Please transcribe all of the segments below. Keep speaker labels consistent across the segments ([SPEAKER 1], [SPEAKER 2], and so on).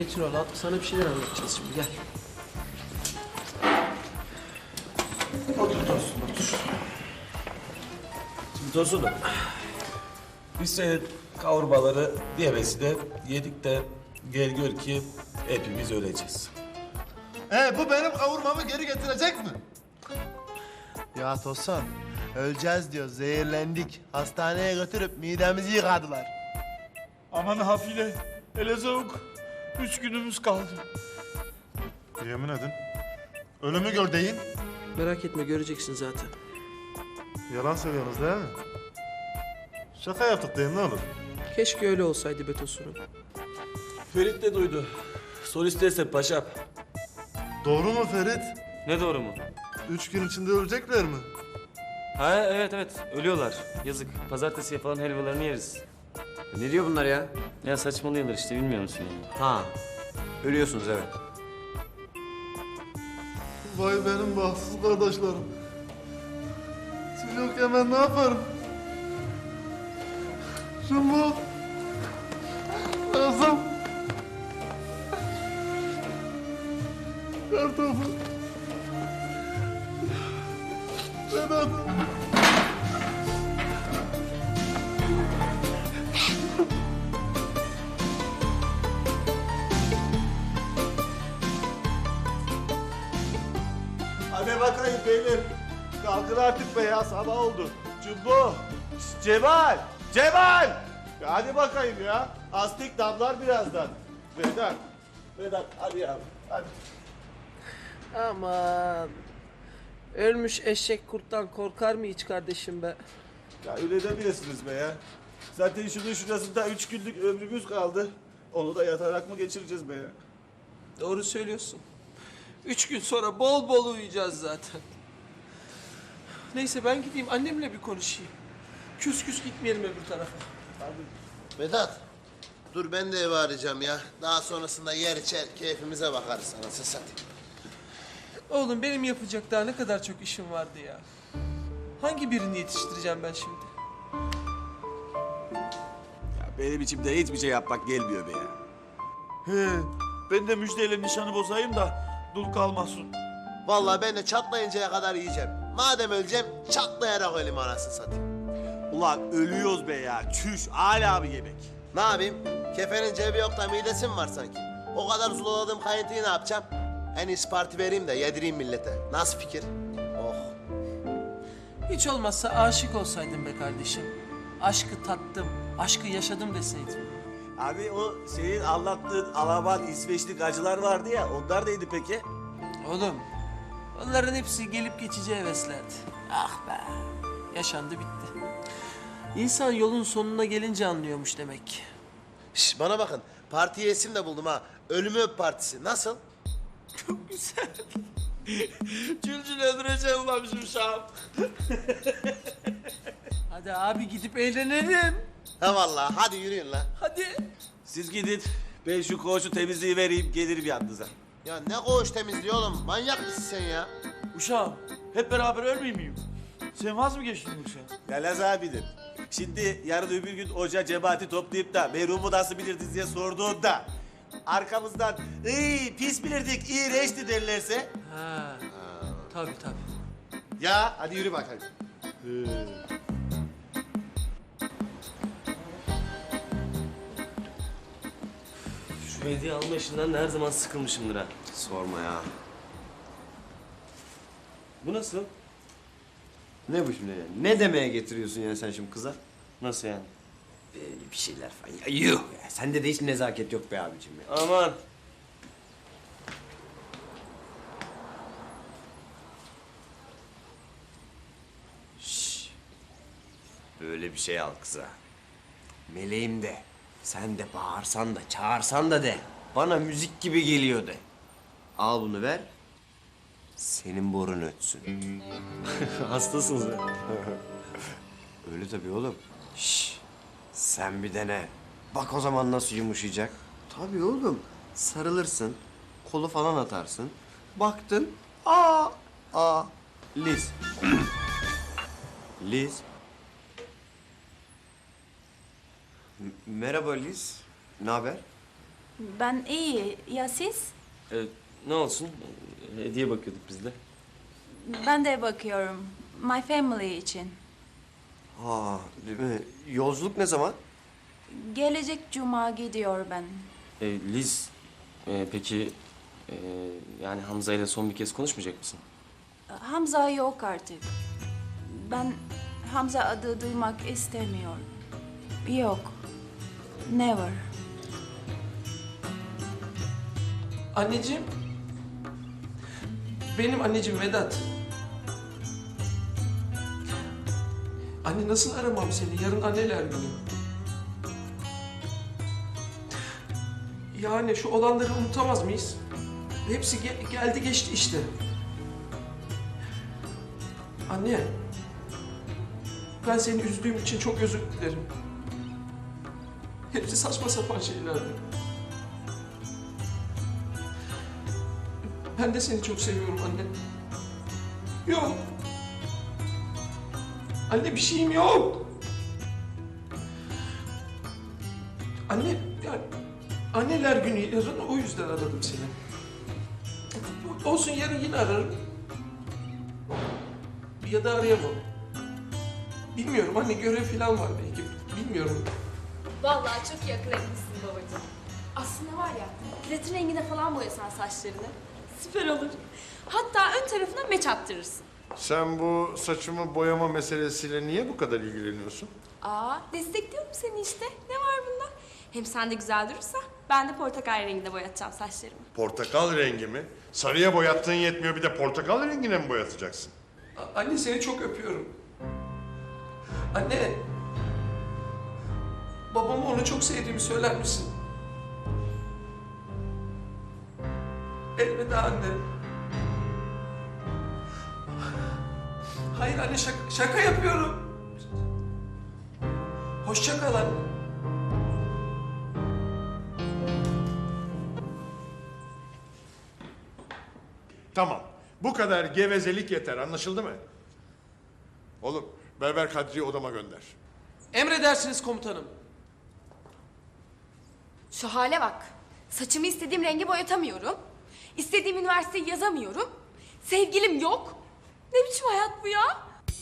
[SPEAKER 1] Petrol al, sana bir şeyler anlatacağız şimdi, gel.
[SPEAKER 2] Otur Tosun, otur. Şimdi Tosun'um, biz senin kavurmaları diyemesi yedik de gel gör ki hepimiz öleceğiz.
[SPEAKER 3] Bu benim kavurmamı geri getirecek mi?
[SPEAKER 4] Ya Tosun, öleceğiz diyor, zehirlendik. Hastaneye götürüp midemizi yıkadılar.
[SPEAKER 5] Aman hafile, hele soğuk. 3 günümüz kaldı.
[SPEAKER 3] Yemin edin. Ölümü gör deyin.
[SPEAKER 1] Merak etme, göreceksin zaten.
[SPEAKER 3] Yalan söylüyorsunuz değil mi? Şaka yaptık deyin ne olur.
[SPEAKER 1] Keşke öyle olsaydı be Tosun'um.
[SPEAKER 2] Ferit de duydu. Sor isterse paşam.
[SPEAKER 3] Doğru mu Ferit?
[SPEAKER 6] Ne doğru mu?
[SPEAKER 3] 3 gün içinde ölecekler mi?
[SPEAKER 6] Ha evet ölüyorlar. Yazık. Pazartesiye falan helvalarını yeriz.
[SPEAKER 7] Ne diyor bunlar ya?
[SPEAKER 6] Ya saçmalıyorlar işte bilmiyor musun yani?
[SPEAKER 7] Ha, ölüyorsunuz evet.
[SPEAKER 3] Vay benim bahtsız kardeşlerim. Siz yokken ben ne yaparım? Şunu lazım. Kartopu. Vedat.
[SPEAKER 2] Hadi bakayım beyler. Kalkın artık be ya, sabah oldu. Cumbo, Cemal, Cemal! Ya hadi bakayım ya. Astik damlar birazdan. Vedat hadi yavrum, hadi.
[SPEAKER 1] Aman. Ölmüş eşek kurttan korkar mı hiç kardeşim be?
[SPEAKER 2] Ya öyle demiyorsunuz be ya. Zaten şunun şurasında 3 günlük ömrümüz kaldı. Onu da yatarak mı geçireceğiz be ya?
[SPEAKER 1] Doğru söylüyorsun. 3 gün sonra bol bol uyuyacağız zaten. Neyse ben gideyim annemle bir konuşayım. Küs küs gitmeyelim öbür tarafa.
[SPEAKER 4] Vedat, dur ben de eve arayacağım ya. Daha sonrasında yer içer, keyfimize bakarız anasını satayım.
[SPEAKER 1] Oğlum benim yapacak daha ne kadar çok işim vardı ya. Hangi birini yetiştireceğim ben şimdi?
[SPEAKER 2] Ya benim içimde hiçbir şey yapmak gelmiyor be ya.
[SPEAKER 5] He, ben de müjdeyle nişanı bozayım da dul kalmasın.
[SPEAKER 4] Vallahi ben de çatlayıncaya kadar yiyeceğim. Madem öleceğim, çatlayarak öleyim anasını satayım.
[SPEAKER 2] Ulan ölüyoruz be ya. Çüş, hala bir yemek.
[SPEAKER 4] Ne yapayım? Kefenin cebi yok da midesi mi var sanki? O kadar zulaladığım kayıntıyı ne yapacağım? En iyisi parti vereyim de yedireyim millete. Nasıl fikir? Oh.
[SPEAKER 1] Hiç olmazsa aşık olsaydım be kardeşim. Aşkı tattım, aşkı yaşadım deseydim.
[SPEAKER 2] Abi o senin anlattığın Alman İsveçli acılar vardı ya, onlar neydi peki?
[SPEAKER 1] Oğlum, onların hepsi gelip geçici heveslerdi. Ah be, yaşandı bitti. İnsan yolun sonuna gelince anlıyormuş demek ki.
[SPEAKER 4] Şş, bana bakın. Partiye isim de buldum ha. Ölümü öp partisi. Nasıl?
[SPEAKER 1] Çok güzel. Cülcül öldüreceğim lan bizim şahım. Hadi abi gidip eğlenelim.
[SPEAKER 4] Ha vallahi. Hadi yürüyün lan.
[SPEAKER 1] Hadi.
[SPEAKER 2] Siz gidin, ben şu koğuşu temizliği vereyim, gelirim yanınıza.
[SPEAKER 4] Ya ne koğuş temizliği oğlum? Manyak mısın sen ya?
[SPEAKER 5] Uşağım, hep beraber ölmeyeyim miyim? Sen vaz mı geçtin yoksa?
[SPEAKER 2] Ya Laz abidir. Şimdi yarın öbür gün hoca cemaati toplayıp da merhumu nasıl bilirdiniz diye sorduğunda arkamızdan pis bilirdik, iğrençti derlerse
[SPEAKER 1] Ha. Tabii tabii.
[SPEAKER 4] Ya hadi yürü bakalım.
[SPEAKER 6] Şu hediye alma işinden de her zaman sıkılmışımdır ha.
[SPEAKER 7] Sorma ya.
[SPEAKER 6] Bu nasıl?
[SPEAKER 7] Ne bu şimdi ya? Ne demeye getiriyorsun ya sen şimdi kıza?
[SPEAKER 6] Nasıl yani?
[SPEAKER 7] Bir şeyler falan. Ya yuh ya. Sende de hiç nezaket yok be abicim ya.
[SPEAKER 6] Aman.
[SPEAKER 7] Böyle bir şey al kıza. Meleğim de. Sen de bağırsan da çağırsan da de. Bana müzik gibi geliyor de. Al bunu ver. Senin borun ötsün.
[SPEAKER 6] Hastasınız ya.
[SPEAKER 7] Öyle tabii oğlum. Şş, sen bir dene. Bak o zaman nasıl yumuşayacak. Tabii oğlum. Sarılırsın. Kolu falan atarsın. Baktın. Aa. Liz. Liz. Merhaba Liz. Ne haber?
[SPEAKER 8] Ben iyi. Ya siz?
[SPEAKER 6] Ne olsun? Hediye bakıyorduk biz de.
[SPEAKER 8] Ben de bakıyorum. My family için.
[SPEAKER 7] Ha, değil mi? Yolculuk ne zaman?
[SPEAKER 8] Gelecek cuma gidiyor ben.
[SPEAKER 6] Liz, peki yani Hamza ile son bir kez konuşmayacak mısın?
[SPEAKER 8] Hamza yok artık. Ben Hamza adı duymak istemiyorum. Yok. Never.
[SPEAKER 1] Anneciğim. Benim anneciğim Vedat. Anne nasıl aramam seni? Yarın anneler günü. Yani şu olanları unutamaz mıyız? Hepsi geldi geçti işte. Anne. Ben seni üzdüğüm için çok özür dilerim. Hepsi saçma sapan şeylerdi. Ben de seni çok seviyorum anne. Yok. Anne bir şeyim yok. Anne, yani anneler günü yarın o yüzden aradım seni. Olsun yarın yine ararım. Ya da arayamam. Bilmiyorum anne görev falan var belki. Bilmiyorum.
[SPEAKER 9] Vallahi çok iyi akıl etmişsin babacığım. Aslında var ya, platin rengine falan boyasan saçlarını. Süper olur. Hatta ön tarafına meç attırırsın.
[SPEAKER 3] Sen bu saçımı boyama meselesiyle niye bu kadar ilgileniyorsun?
[SPEAKER 9] Destekliyorum seni işte. Ne var bunda? Hem sen de güzel durursa ben de portakal renginde boyatacağım saçlarımı.
[SPEAKER 3] Portakal rengi mi? Sarıya boyattığın yetmiyor, bir de portakal rengine mi boyatacaksın?
[SPEAKER 1] Anne seni çok öpüyorum. Anne. Babama onu çok sevdiğimi söyler misin? Elveda anne. Hayır anne şaka yapıyorum. Hoşça kal anne.
[SPEAKER 3] Tamam. Bu kadar gevezelik yeter. Anlaşıldı mı? Oğlum, Berber Kadri'yi odama gönder.
[SPEAKER 1] Emredersiniz komutanım.
[SPEAKER 9] Şu hale bak. Saçımı istediğim renge boyatamıyorum. İstediğim üniversiteyi yazamıyorum. Sevgilim yok. Ne biçim hayat bu ya?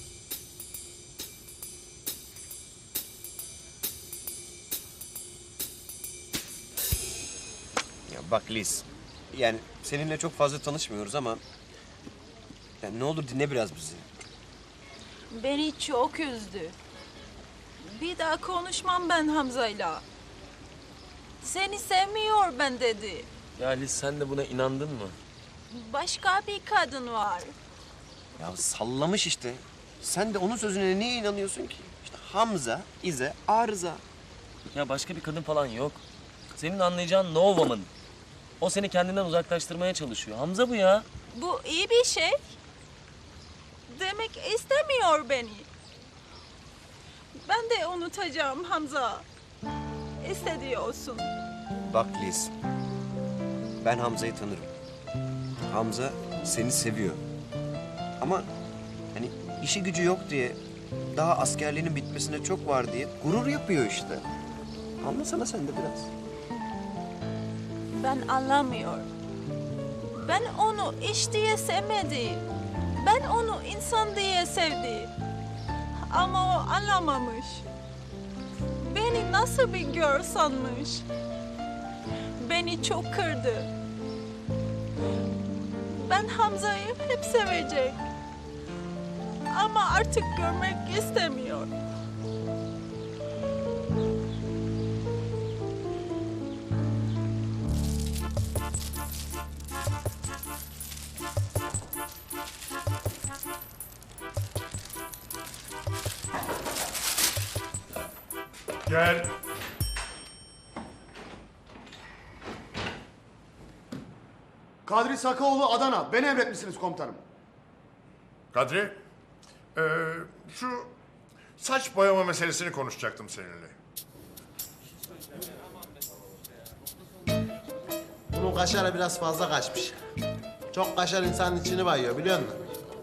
[SPEAKER 7] Ya bak Liz, yani seninle çok fazla tanışmıyoruz ama... Yani ne olur dinle biraz bizi.
[SPEAKER 8] Beni çok üzdü. Bir daha konuşmam ben Hamza'yla. Seni sevmiyor ben dedi.
[SPEAKER 6] Ya Liz sen de buna inandın mı?
[SPEAKER 8] Başka bir kadın var.
[SPEAKER 7] Ya sallamış işte. Sen de onun sözüne niye inanıyorsun ki? İşte Hamza, İze, Arıza.
[SPEAKER 6] Ya başka bir kadın falan yok. Senin anlayacağın no woman. O seni kendinden uzaklaştırmaya çalışıyor. Hamza bu ya.
[SPEAKER 8] Bu iyi bir şey. Demek istemiyor beni. Ben de unutacağım Hamza. İstediği olsun.
[SPEAKER 7] Bak Liz, ben Hamza'yı tanırım. Hamza seni seviyor. Ama hani işi gücü yok diye, daha askerliğinin bitmesine çok var diye gurur yapıyor işte. Anlasana sen de biraz.
[SPEAKER 8] Ben anlamıyorum. Ben onu iş diye sevmedim. Ben onu insan diye sevdim. Ama o anlamamış. Beni nasıl bir gör sanmış. Beni çok kırdı. Ben Hamza'yı hep sevecek. Ama artık görmek istemiyor.
[SPEAKER 3] Gel.
[SPEAKER 10] Kadri Sakaoğlu Adana. Beni emretmişsiniz komutanım.
[SPEAKER 3] Kadri, şu saç boyama meselesini konuşacaktım seninle.
[SPEAKER 4] Bunun kaşarı biraz fazla kaçmış. Çok kaşar insanın içini bayıyor biliyor musun?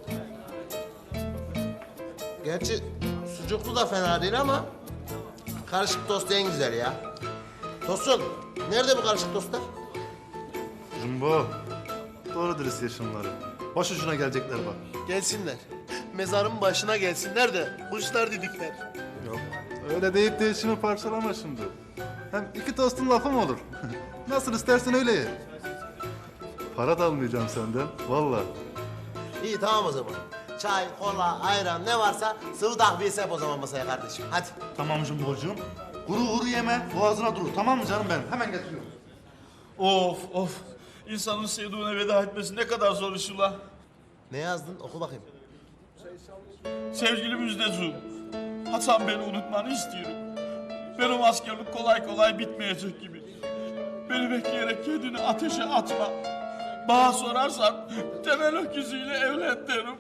[SPEAKER 4] Gerçi sucuklu da fena değil ama karışık tost en güzel ya. Tosun, Nerede bu karışık dostlar?
[SPEAKER 10] Jumbo. Doğru dürüst ye şunları. Başucuna gelecekler bak.
[SPEAKER 4] Gelsinler. Mezarın başına gelsinler de kuşlar didikler.
[SPEAKER 10] Yok. Öyle deyip de işimi parçalama şimdi. Hem iki tostun lafı mı olur? Nasıl istersen öyle ye. Para da almayacağım senden. Vallahi.
[SPEAKER 4] İyi tamam o zaman. Çay, kola, ayran ne varsa sıvı takviyesi yap o zaman masaya kardeşim. Hadi.
[SPEAKER 10] Tamam Jumbo'cuğum. Kuru kuru yeme. Boğazına durur. Tamam mı canım benim? Hemen getiriyorum.
[SPEAKER 5] Of of. İnsanın sevdiğine veda etmesi ne kadar zor iş ula.
[SPEAKER 4] Ne yazdın? Oku bakayım.
[SPEAKER 5] Sevgili Müjdecuğum, Hasan beni unutmanı istiyorum. Benim askerlik kolay kolay bitmeyecek gibi. Beni bekleyerek kendini ateşe atma. Bana sorarsan Temel öküzüyle evlen derim.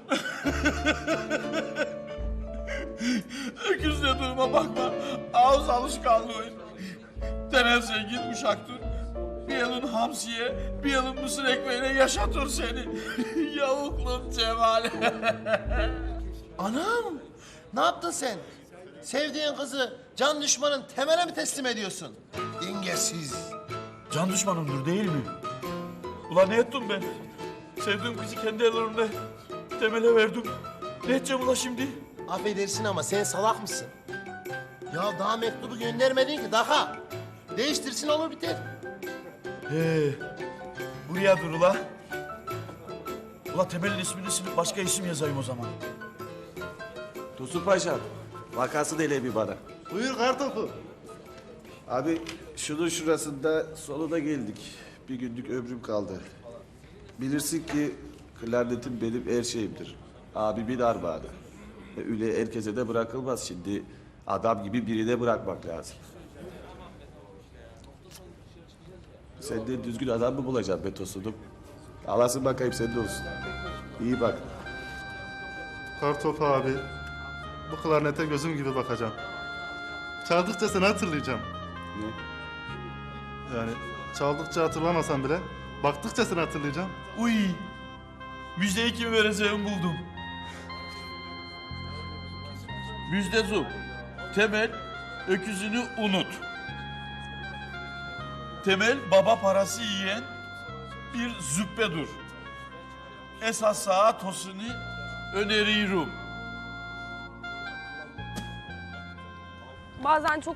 [SPEAKER 5] Öküz dediğime bakma, ağız alışkanlığı. Temel zengin uşaktır. Bir yılın hamsiye, bir yılın mısır ekmeğine yaşatır seni. Yavuklum Cemal.
[SPEAKER 4] Anam! Ne yaptın sen? Sevdiğin kızı can düşmanın Temel'e mi teslim ediyorsun? Dengesiz.
[SPEAKER 5] Can düşmanımdır değil mi? Ulan ne ettim ben? Sevdiğim kızı kendi ellerimle Temel'e verdim. Ne edeceğim ula şimdi?
[SPEAKER 4] Affedersin ama sen salak mısın? Ya daha mektubu göndermedin ki daha. Değiştirsin olur biter.
[SPEAKER 5] Buraya dur ula. Ula Temel'in ismini silip başka isim yazayım o zaman.
[SPEAKER 2] Tosun Paşa, vakası dele bir bana.
[SPEAKER 10] Buyur kartopu.
[SPEAKER 2] Abi şunun şurasında sonuna geldik. Bir günlük ömrüm kaldı. Bilirsin ki klarnetim benim her şeyimdir. Abimin armağanı. Öyle herkese de bırakılmaz şimdi. Adam gibi birine bırakmak lazım. Sen de düzgün adam mı bulacaksın be Tosun'um? Alasın bakayım sen de olsun. İyi bak.
[SPEAKER 10] Kartopu abi. Bu klarnete gözüm gibi bakacağım. Çaldıkça seni hatırlayacağım.
[SPEAKER 2] Ne?
[SPEAKER 10] Yani çaldıkça hatırlamasam bile baktıkça seni hatırlayacağım.
[SPEAKER 5] Uy! Müjdeyi kime vereceğimi buldum. Müjdecuğum, Temel öküzünü unut. Temel baba parası yiyen bir züppedur. Esas sağa tosunu öneriyorum.
[SPEAKER 9] Bazen çok